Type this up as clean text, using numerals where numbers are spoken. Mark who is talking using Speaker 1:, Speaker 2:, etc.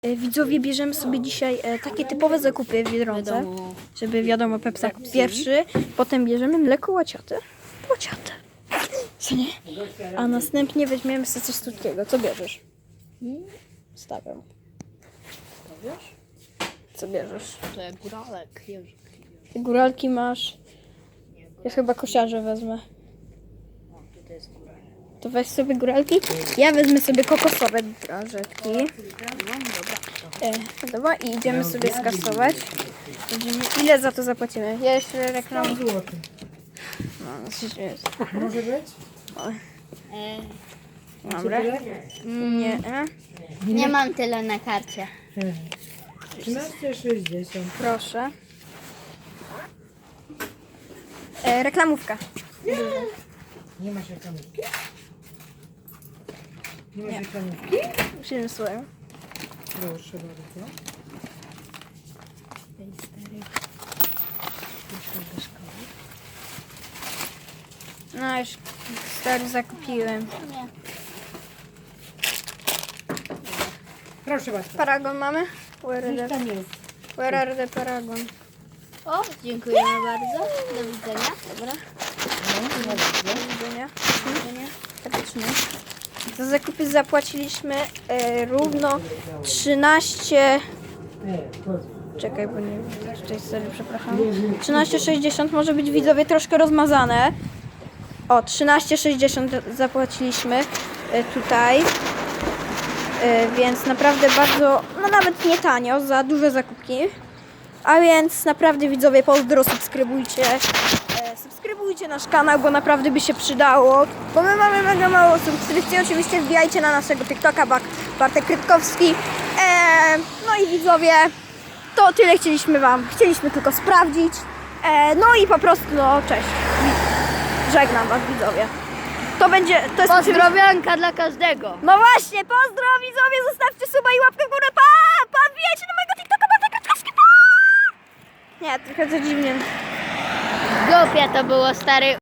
Speaker 1: Widzowie, bierzemy sobie dzisiaj takie typowe zakupy w Biedronce, żeby wiadomo, Pepsak pierwszy, potem bierzemy mleko łaciate, co nie? A następnie weźmiemy sobie coś słodkiego. Co bierzesz? Stawiam. Co bierzesz?
Speaker 2: To jak góralek.
Speaker 1: Ty góralki masz. Ja chyba kosiarze wezmę.
Speaker 2: Tutaj jest góralek.
Speaker 1: To weź sobie góralki. Ja wezmę sobie kokosowe drażetki. Dobra, i idziemy sobie skasować. Ile za to zapłacimy? Ja jeszcze reklam. No,
Speaker 3: Może być?
Speaker 1: dobra. Nie.
Speaker 2: Nie mam tyle na karcie.
Speaker 3: 13,60.
Speaker 1: Proszę. Reklamówka.
Speaker 3: Nie masz reklamówki? Nie masz reklamówki?
Speaker 1: Przyjemny słuchaj.
Speaker 3: Proszę bardzo.
Speaker 1: No już stary zakupiłem.
Speaker 2: Nie.
Speaker 3: Proszę bardzo.
Speaker 1: Paragon mamy?
Speaker 3: Już tam jest.
Speaker 1: Where are the Paragon?
Speaker 2: O, dziękujemy bardzo. Do widzenia.
Speaker 1: Dobra. Do widzenia. Faktycznie. Za zakupy zapłaciliśmy równo 13... Czekaj, bo nie wiem, tutaj sobie przepraszam. 13,60 może być, widzowie, troszkę rozmazane. O, 13,60 zapłaciliśmy tutaj. Więc naprawdę bardzo, no nawet nie tanio, za duże zakupki. A więc naprawdę, widzowie, pozdro, subskrybujcie. Subskrybujcie nasz kanał, bo naprawdę by się przydało. Bo my mamy mega mało subskrypcji. Oczywiście wbijajcie na naszego TikToka, Bartek Krytkowski. No i widzowie, to tyle chcieliśmy tylko sprawdzić. No i po prostu, no cześć. Żegnam was, widzowie. To jest
Speaker 2: Pozdrowionka dla każdego.
Speaker 1: No właśnie, pozdro widzowie, zostawcie suba i łapkę w górę, pa! Wbijajcie na mojego TikToka, Bartek Krytkowski, pa! Nie, trochę to dziwnie.
Speaker 2: Głupie to było, stary.